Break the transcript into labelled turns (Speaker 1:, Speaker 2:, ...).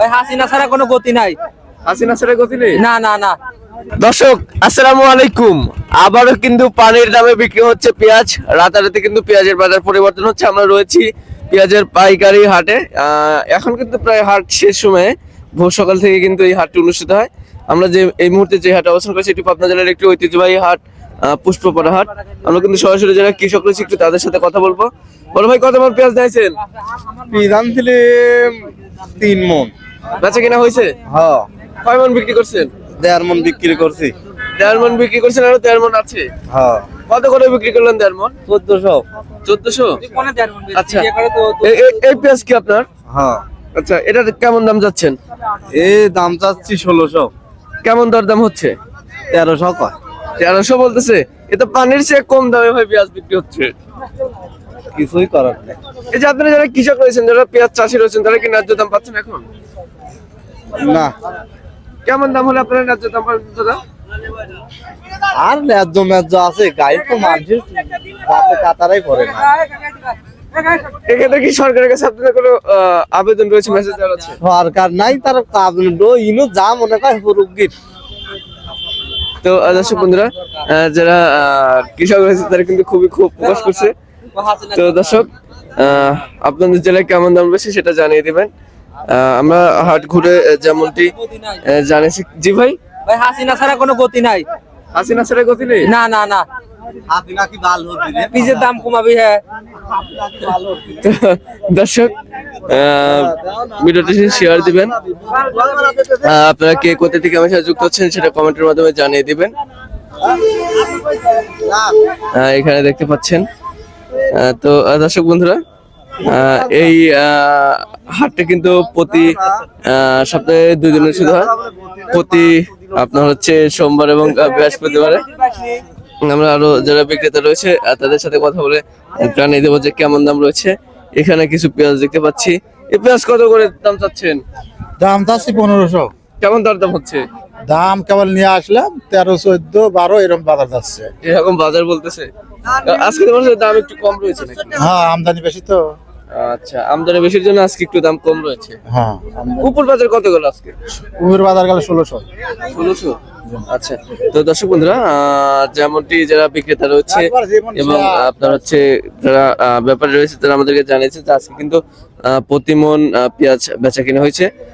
Speaker 1: হাসিনা ছাড়া কোনো গতি নাই।
Speaker 2: হাসিনা ছাড়া গতি নেই।
Speaker 1: না না না।
Speaker 2: দর্শক আসসালামু আলাইকুম। আবারও কিন্তু পানির দামে বিক্রি হচ্ছে পেঁয়াজ। রাতারাতি কিন্তু পেঁয়াজের বাজার পরিবর্তন হচ্ছে। আমরা রয়েছি পেঁয়াজের পাইকারি হাটে। এখন কিন্তু প্রায় হাট শেষ সময়ে, ভোর সকাল থেকে কিন্তু এই হাটটি অনুষ্ঠিত হয়। আমরা যে এই মুহূর্তে যে হাটে অবস্থান করছি এটি পাবনা জেলার একটি ঐতিহ্যবাহী হাট, পুষ্পপাড়া হাট। আমরা কিন্তু সরাসরি যারা কৃষক রয়েছে একটু তাদের সাথে কথা বলবো। বলো ভাই, কত মন পেঁয়াজ দিয়েছেন?
Speaker 3: পেঁয়াজ আনছিলে 3 মন।
Speaker 2: বেচা কিনা হয়েছে?
Speaker 3: হ্যাঁ,
Speaker 2: কয় মন বিক্রি করছেন?
Speaker 3: 1.5 মন বিক্রি করছি।
Speaker 2: 1.5 মন বিক্রি করছেন, আরো 1.5 মন আছে।
Speaker 3: হ্যাঁ,
Speaker 2: কত করে বিক্রি করলেন 1.5 মন?
Speaker 3: 1400।
Speaker 2: 1400। আচ্ছা, এই পেঁয়াজ কি আপনার?
Speaker 3: হ্যাঁ,
Speaker 2: আচ্ছা, এটা কেমন দাম যাচ্ছেন?
Speaker 3: এই দাম চাচ্ছি 1600।
Speaker 2: কেমন দরদাম হচ্ছে?
Speaker 3: 1300 কয়।
Speaker 2: 1300 বলতেছে। এ তো পানির চেয়ে কম দামে ভাই পেঁয়াজ বিক্রি হচ্ছে।
Speaker 3: কিছুই করার নেই।
Speaker 2: এই যে আপনারা যারা কৃষক রয়েছেন, যারা পেঁয়াজ চাষি রয়েছেন, তারা কি ন্যায্য দাম পাচ্ছেন এখন?
Speaker 3: না,
Speaker 2: কেমন দাম হলে আপনারা ন্যায্য দাম পাবেন দাদা?
Speaker 3: আর ন্যায্য ম্যায্য আছে, গাই তো মানুষের রাতে কাতারাই পড়ে না।
Speaker 2: এক্ষেত্রে কি সরকারের কাছে আপনাদের কোনো আবেদন রয়েছে, মেসেজ দেওয়া আছে?
Speaker 3: সরকার নাই, তার ইনো যা মনে করে রুগীর।
Speaker 2: তো দর্শক বন্ধুরা, যারা কৃষক রয়েছে তারা কিন্তু খুবই ক্ষোভ প্রকাশ করছে। তো দর্শক, আপনাদের জেলায় কেমন দাম রয়েছে সেটা জানিয়ে দিবেন। আমরা হাট ঘুরে যেমনটি জানিয়েছি। জি ভাই,
Speaker 1: ভাই হাসিনা ছাড়া কোনো গতি নাই।
Speaker 2: হাসিনা ছাড়া গতি নেই।
Speaker 1: না না না।
Speaker 3: হাসিনা কি ভালো হচ্ছে?
Speaker 1: পিজের দাম কমাবি। হ্যাঁ
Speaker 2: তো দর্শক, ভিডিওটি শেয়ার দিবেন। আপনারা কে কোথা থেকে আমার সাথে যুক্ত হচ্ছেন সেটা কমেন্টের মাধ্যমে জানিয়ে দিবেন। এখানে দেখতে পাচ্ছেন। তো দর্শক বন্ধুরা, এই হাটটা কিন্তু প্রতি সপ্তাহে 2 দিন অনুষ্ঠিত হয়। প্রতি আপনার হচ্ছে সোমবার এবং বৃহস্পতিবারে। আমরা আরো যারা বিক্রেতা রয়েছে তাদের সাথে কথা বলে জানিয়ে দেবো যে কেমন দাম রয়েছে। এখানে কিছু পেঁয়াজ দেখতে পাচ্ছি। এই পেঁয়াজ কত করে দাম চাচ্ছেন?
Speaker 4: দাম চাচ্ছি 1500।
Speaker 2: কেমন দরদাম হচ্ছে?
Speaker 4: দাম কেবল নিয়ে আসলাম 13, 14, 12 এরকম বাজার যাচ্ছে।
Speaker 2: এরকম বাজার বলতেছে। আজকে তোমার দাম একটু কম রয়েছে নাকি?
Speaker 4: হ্যাঁ, আমদানি বেশি তো।
Speaker 2: আচ্ছা, আমদানি বেশির জন্য আজকে একটু দাম কম রয়েছে।
Speaker 4: হ্যাঁ,
Speaker 2: উপর বাজার কত গেল আজকে?
Speaker 4: কুমির বাজার গেল 1600।
Speaker 2: 1600। আচ্ছা, তো দর্শক বন্ধুরা, যেমনটি যারা বিক্রেতা রয়েছে এবং আপনার হচ্ছে যারা ব্যাপারী রয়েছে তারা আমাদেরকে জানিয়েছে যে আজকে কিন্তু প্রতি মন পেঁয়াজ বেচা কিনা হয়েছে।